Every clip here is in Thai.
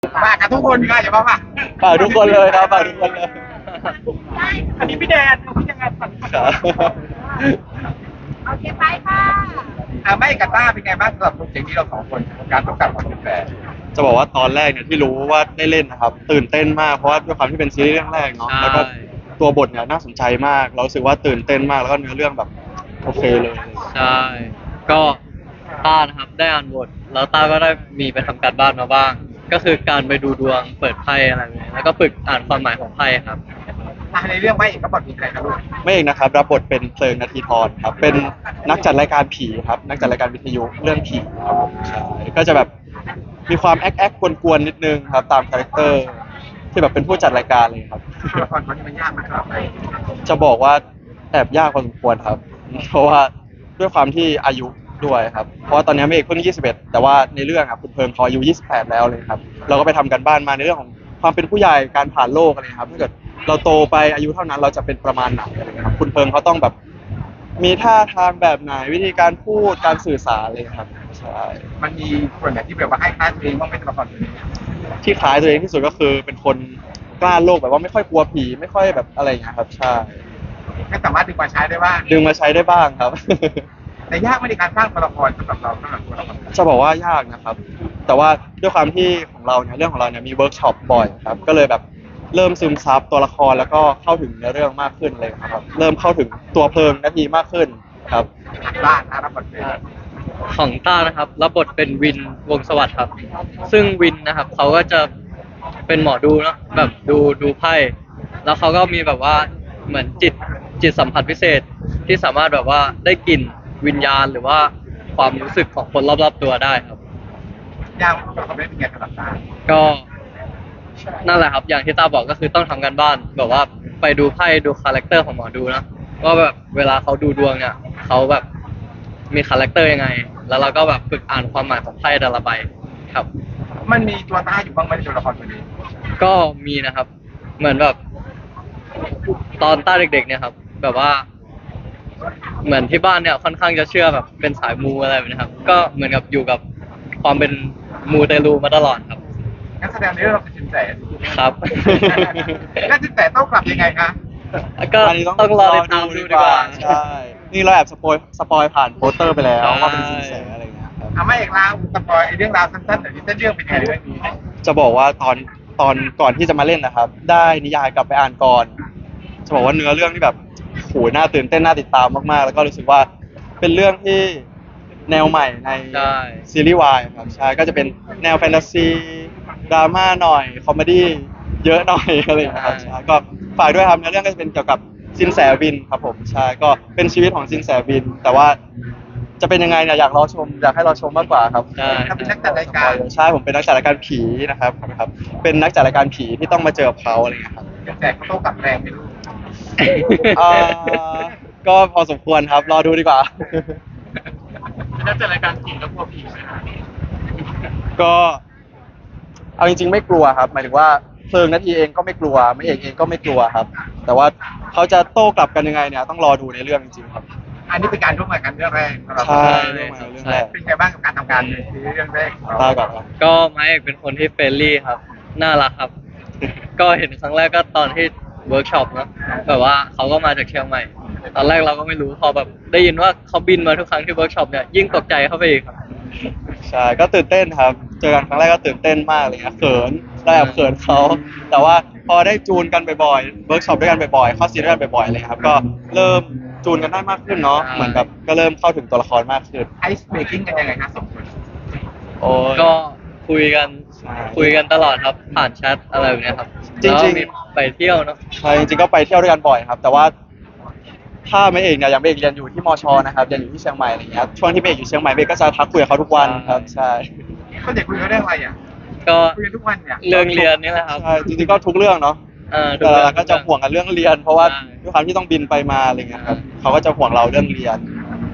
ฝากกับทุกคนก็อย่ามาฝากฝากทุกคนเลยครับฝากทุกคนเลยอันนี้พี่แดนพี่ยังไงฝากครับโอเคไปค่ะไม่กับต้าเป็นไงบ้างสำหรับโปรเจกต์ที่เราสองคนการต้องกลับมาเป็นแฟนจะบอกว่าตอนแรกเนี่ยที่รู้ว่าได้เล่นนะครับตื่นเต้นมากเพราะว่าด้วยความที่เป็นซีรีส์เรื่องแรกเนาะใช่แล้วก็ตัวบทเนี่ยน่าสนใจมากเรารู้สึกว่าตื่นเต้นมากแล้วก็เนื้อเรื่องแบบโอเคเลยใช่ก็ต้านะครับได้อ่านบทแล้วต้าก็ได้มีไปทำการบ้านมาบ้าง ก็คือการไปดูดวงเปิดไพ่อะไรแบบนี้แล้วก็ฝึกอ่านความหมายของไพ่ครับในเรื่องไม่เอกก็บอกมีอะไรนะลูกไม่เองนะครับรับบทเป็นเพลิงนาทีทรครับเป็นนักจัดรายการผีครับนักจัดรายการวิทยุเรื่องผีครับผมใช่ก็จะแบบมีความแอคกวนๆนิดนึงครับตามคาแรคเตอร์ที่แบบเป็นผู้จัดรายการเลยครับตัวละครคนนี้มันยากมากครับจะบอกว่าแอบยากพอสมควรครับ เพราะว่าด้วยความที่อายุด้วยครับ เพราะว่าตอนนี้เมฆเพิ่ง 21 แต่ว่าในเรื่องอ่ะคุณเพิงเขาอายุ 28 แล้วเลยครับ เราก็ไปทำกันบ้านมาในเรื่องของความเป็นผู้ใหญ่การผ่านโลกอะไรครับถ้าเกิดเราโตไปอายุเท่านั้นเราจะเป็นประมาณไหนอะไรเงี้ยครับคุณเพิงเขาต้องแบบมีท่าทางแบบไหนวิธีการพูดการสื่อสารเลยครับใช่มันมีคนไหนที่แบบว่าให้ค่าตัวเองว่าไม่ตัวละครตัวนี้ที่คล้ายตัวเองที่สุดก็คือเป็นคนกล้าโลกแบบว่าไม่ค่อยกลัวผีไม่ค่อยแบบอะไรอย่างเงี้ยครับใช่ก็สามารถดึงมาใช้ได้บ้างดึงมาใช้ได้บ้างครับแต่ยากไม่ในการสร้างตัวละครสำหรับเราสำหรับตัวละครจะบอกว่ายากนะครับ แต่ว่าด้วยความที่ของเราเนี่ยเรื่องของเราเนี่ยมีเวิร์กช็อปบ่อยครับ ก็เลยแบบเริ่มซึมซับตัวละครแล้วก็เข้าถึงเนื้อเรื่องมากขึ้นเลยครับ เริ่มเข้าถึงตัวเพลิงนาทีมากขึ้นครับบ้านนะรับบทเป็นของต้านะครับรับบทเป็นวินวงศ์สวัสดิ์ครับ ซึ่งวินนะครับเขาก็จะเป็นหมอดูเนอะแบบดูไพ่แล้วเขาก็มีแบบว่าเหมือนจิตสัมผัสพิเศษที่สามารถแบบว่าได้กลิ่นวิญญาณหรือว่าความรู้สึกของคนรอบๆตัวได้ครับยากตัวละครเป็นไงสำหรับตาก็นั่นแหละครับอย่างที่ต้าบอกก็คือต้องทำกันบ้านแบบว่าไปดูไพ่ดูคาแรคเตอร์ของหมอดูนะว่าแบบเวลาเขาดูดวงเนี่ยเขาแบบมีคาแรคเตอร์ยังไง แล้วเราก็แบบฝึกอ่านความหมายของไพ่แต่ละใบครับมันมีตัวตาอยู่บ้างไหมในตัวละครตัวนี้ก็มีนะครับ เหมือนแบบตอนต้าเด็กๆเนี่ยครับ แบบว่า เหมือนที่บ้านเนี่ยค่อนข้างจะเชื่อแบบเป็นสายมูอะไรแบบนี้ครับ ก็เหมือนกับอยู่กับความเป็นมูเตลูมาตลอดครับนักแสดงในเรื่องเราเป็นสินแสครับแล้วสินแสต้องกลับยังไงคะก็อันนี้ต้องรอติดตามดูดีกว่าใช่นี่เราแอบสปอยผ่านโปสเตอร์ไปแล้วใช่ว่าเป็นสินแสอะไรอย่างเงี้ยครับไม่เอกลาวสปอยเรื่องราวสั้นๆหน่อยที่เส้นเรื่องเป็นไงเรื่องนี้จะบอกว่าตอนก่อนที่จะมาเล่นนะครับ ได้นิยายกลับไปอ่านก่อน จะบอกว่าเนื้อเรื่องที่แบบโหน่าตื่นเต้นน่าติดตามมากๆ แล้วก็รู้สึกว่าเป็นเรื่องที่แนวใหม่ในใช่ซีรีส์วายครับใช่ก็จะเป็นแนวแฟนตาซีดราม่าหน่อยคอมเมดี้เยอะหน่อย อะไรอย่างเงี้ยครับใช่ก็ฝากด้วยครับเนื้อเรื่องก็จะเป็นเกี่ยวกับซินแสวินครับผมใช่ก็เป็นชีวิตของซินแสวิน แต่ว่าจะเป็นยังไงเนี่ยอยากรอชมอยากให้เราชมมากกว่าครับใช่ถ้าเป็นนักจัดรายการใช่ผมเป็นนักจัดรายการผีนะครับเป็นนักจัดรายการผีที่ต้องมาเจอกับเขาอะไรอย่างเงี้ยครับสินแสเขาโต้กลับแรงไม่รู้เอ่อก็พอสมควรครับรอดูดีกว่าเป็นนักจัดรายการผีแล้วกลัวผีไหมคะก็เอาจริงๆไม่กลัวครับหมายถึงว่าเพลิงนาทีเองก็ไม่กลัวไม่เอกเองก็ไม่กลัวครับ แต่ว่าเขาจะโต้กลับกันยังไงเนี่ยต้องรอดูในเรื่องจริงๆครับอันนี้เป็นการร่วมงานกันเรื่องแรกสำหรับใช่เราเรื่องแรกเป็นไงบ้างกับการทำงานในซีรีส์เรื่องแรกของเราตาก่อนครับก็ไม้เอกเป็นคนที่เฟรนลี่ครับ น่ารักครับ ก็เห็นครั้งแรกก็ตอนที่เวิร์กช็อปเนอะแบบว่าเขาก็มาจากเชียงใหม่ ตอนแรกเราก็ไม่รู้พอแบบได้ยินว่าเขาบินมาทุกครั้งที่เวิร์กช็อปเนี่ยยิ่งตกใจเข้าไปอีกครับใช่ก็ตื่นเต้นครับ เจอกันครั้งแรกก็ตื่นเต้นมากเลยครับเขินเราแอบเขินเขาแต่ว่าพอได้จูนกันบ่อยๆเวิร์กช็อปด้วยกันบ่อยๆเข้าซีนด้วยกันบ่อยๆเลยครับก็เริ่มจูนกันได้มากขึ้นเนาะใช่เหมือนแบบก็เริ่มเข้าถึงตัวละครมากขึ้นไอซ์เบรกกิ้งกันยังไงคะสองคนโอ้ยก็คุยกันใช่คุยกันตลอดครับ ผ่านแชทอะไรแบบเนี้ยครับจริงๆแล้วมีไปเที่ยวเนาะใช่จริงๆก็ไปเที่ยวด้วยกันบ่อยครับ แต่ว่าถ้าไม่เอกเนี่ยอย่างไม่เอกเรียนอยู่ที่มชนะครับเรียนอยู่ที่เชียงใหม่อะไรเงี้ยช่วงที่ไม่เอกอยู่เชียงใหม่ไม่เอกก็จะทักคุยกับเขาทุกวันครับใช่เขาจะคุยกันเรื่องอะไรอ่ะก็คุยกันทุกวันเนี่ยเรื่องเรียนนี่แหละครับใช่จริงๆก็ทุกเรื่องเนาะทุแต่เรื่องเราก็จะห่วงกันเรื่องเรียน เพราะว่าใช่ด้วยความที่ต้องบินไปมาอะไรเงี้ยครับเขาก็จะห่วงเราเรื่องเรียน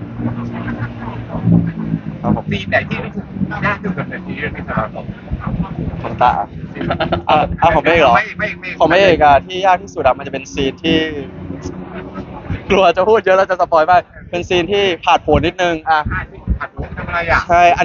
ครับผมซีนไหนที่รู้สึกยากที่สุดในซีรีส์เรื่องนี้สำหรับเราของตาของไม่เอกเหรอไม่ของไม่เอกอะที่ยากที่สุดอะมันจะเป็นซีนที่ กลัวจะพูดเยอะแล้วจะสปอยไปเป็นซีนที่ผ่าดโผนนิดนึงอะผัดหัวทำอะไรอ่ะใช่อันเนี้ย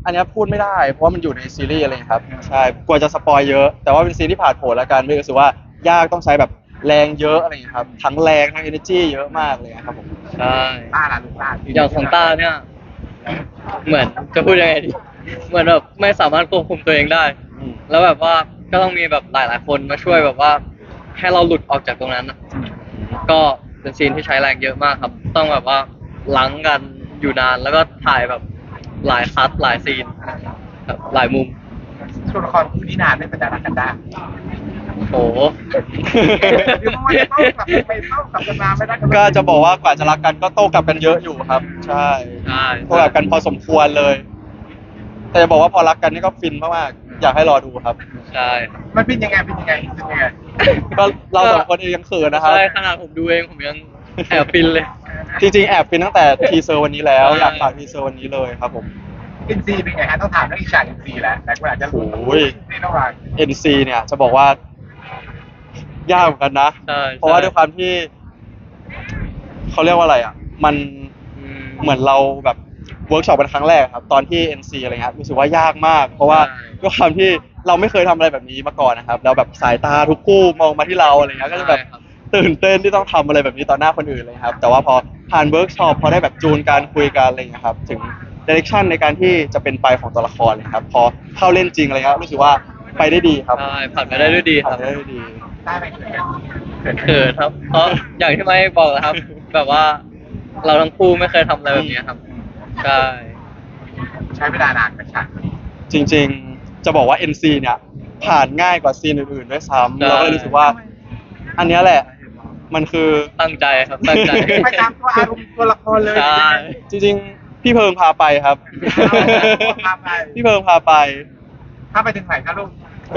อันเนี้ยพูดไม่ได้เพราะว่ามันอยู่ในซีรีส์อะไรอย่างเงี้ยครับใช่กลัวจะสปอยเยอะแต่ว่าเป็นซีนที่ผ่านโผล่แล้วกันไม่รู้สึกว่ายากต้องใช้แบบแรงเยอะอะไรอย่างเงี้ยครับทั้งแรงทั้ง energy เยอะมากเลยครับผมใช่ต้าล่ะลูกต้าอย่างของต้าเนี่ย เหมือนจะพูดยังไงดี เหมือนแบบไม่สามารถควบคุมตัวเองได้อืมแล้วแบบว่าก็ต้องมีแบบหลายๆคนมาช่วยแบบว่าให้เราหลุดออกจากตรงนั้นอะก็เป็นซีนที่ใช้แรงเยอะมากครับ ต้องแบบว่าล้างกันอยู่นานแล้วก็ถ่ายแบบหลายคัทหลายซีนแบบหลายมุมตัวละครคู่นี้นานไม่เป็นแต่รักกันได้โอ้โหเดี๋ยวมันจะต้องกลับไปต้องกลับกันมาไม่ได้กันก็จะบอกว่ากว่าจะรักกันก็โต้กลับกันเยอะอยู่ครับ ใช่ใช่โต้กลับกันพอสมควรเลย แต่จะบอกว่าพอรักกันนี่ก็ฟินมากๆอยากให้รอดูครับใช่ครับมันเป็นยังไงเป็นยังไงเป็นยังไงก็เราสองคนเองยังเขินนะครับใช่ขนาดผมดูเองผมยังแอบฟินเลยจริงๆแอบฟินตั้งแต่ทีเซอร์วันนี้แล้วใช่อยากฝากทีเซอร์วันนี้เลยครับผมอินซีเป็นไงฮะต้องถามเรื่องอีกฉากอินซีแล้วแต่คนอาจจะรู้โอ้ยนี่ต้องวาง NC เนี่ยจะบอกว่ายากเหมือนกันนะใช่เพราะว่าด้วยความที่เขาเรียกว่าอะไรอ่ะ มันอืมเหมือนเราแบบเวิร์กช็อปเป็นครั้งแรกครับ ตอนที่ NC อะไรเงี้ยรู้สึกว่ายากมาก เพราะว่าใช่ด้วยความที่เราไม่เคยทำอะไรแบบนี้มาก่อนนะครับแล้วแบบสายตาทุกคู่มองมาที่เราอะไรเงี้ยก็จะแบบใช่ครับตื่นเต้นที่ต้องทำอะไรแบบนี้ต่อหน้าคนอื่นเลยครับ แต่ว่าพอผ่านเวิร์กช็อปพอได้แบบจูนการคุยกันอะไรเงี้ยครับถึงดิเรกชันในการที่จะเป็นไปของตัวละครเลยครับพอเข้าเล่นจริงอะไรเงี้ยรู้สึกว่าไปได้ดีครับใช่ผ่านไปได้ด้วยดีคผ่ารันบไปได้ด้วยดีได้ไหมเขินเขินครับ เพราะอย่างที่ไม่บอกนะครับ แบบว่าเราทั้งคู่ไม่เคยทำอะไรแบบนี้ครับ ใช่ใช้เวลานานกับฉากจริงๆ จะบอกว่า NC เนี่ยผ่านง่ายกว่าซีนอื่นๆด้วยซ้ำใช่เราก็เลยรู้สึกว่า อันเนี้ยแหละ มันคือตั้งใจครับตั้งใจไปตามตัวอารมณ์ตัวละครเลยใช่จริงๆ พี่เพิงพาไปครับพาไปพี่เพิงพาไปถ้าไปถึงไหนครับลูกก็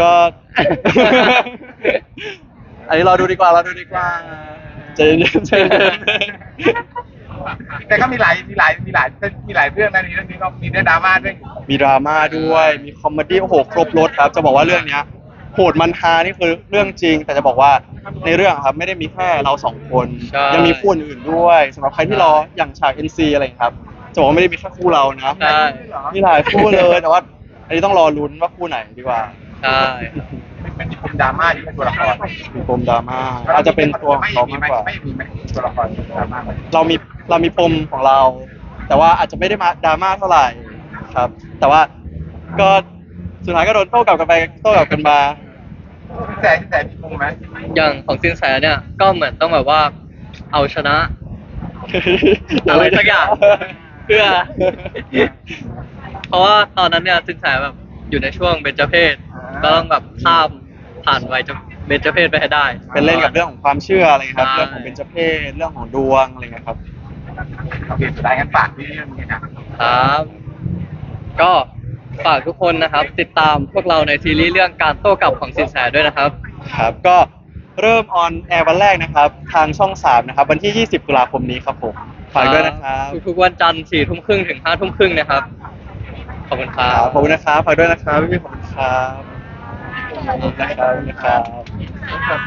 อันนี้เราดูดีกว่าเราดูดีกว่าใจเย็นๆใจเย็นแต่ก็มีหลายเรื่องนะในเรื่องนี้ก็มีเรื่องดราม่าด้วยมีดราม่าด้วย มีคอมเมดี้โอ้โหครบรถครับ จะบอกว่าเรื่องเนี้ยโหดมันฮานี่คือเรื่องจริง แต่จะบอกว่าในเรื่องครับไม่ได้มีแค่เราสองคนใช่ยังมีคู่อื่นๆด้วยสำหรับใครที่รออย่างฉาก NC อะไรอย่างเงี้ยครับจะบอกว่าไม่ได้มีแค่คู่เรานะใช่มีหลายคู่เลย แต่ว่า อันนี้ต้องรอลุ้นว่าคู่ไหนดีกว่าใช่มันมีปมดราม่าอยู่ในตัวละครมีปมดราม่าอาจจะเป็นตัวของเรามากกว่าไม่มีไหมตัวละครดราม่าไหมเรามีปมของเรา แต่ว่าอาจจะไม่ได้มาดราม่าเท่าไหร่ครับ แต่ว่าก็สุดท้ายก็โดนโต้กลับกันไปโต้กลับกันมาแต่มีปมไหมอย่างของสินแสเนี่ย ก็เหมือนต้องแบบว่าเอาชนะ อะไรสักอย่าง เพื่อ เพราะว่าตอนนั้นเนี่ยสินแสแบบอยู่ในช่วงเบญจเพศก็ต้องแบบข้ามผ่านวัยเบญจเพศไปให้ได้เป็นเล่นกับเรื่องของความเชื่ออะไรครับใช่เรื่องของเบญจเพศเรื่องของดวงอะไรเงี้ยครับโอเคสุดท้ายงั้นฝากที่เรื่องนี้ครับครับ ก็ฝากทุกคนนะครับ ติดตามพวกเราในซีรีส์เรื่องการโต้กลับของสินแสด้วยนะครับครับ ก็เริ่มออนแอร์วันแรกนะครับ ทางช่อง 3 นะครับ วันที่ 20 ตุลาคมนี้ครับผม ฝากด้วยนะครับทุกๆวันจันทร์4 ทุ่มครึ่งถึง5 ทุ่มครึ่งนะครับ ขอบคุณครัครับ บขอบคุณนะครับ ฝากด้วยนะครับพี่ๆขอบคุณครับขอบคุณนะครับ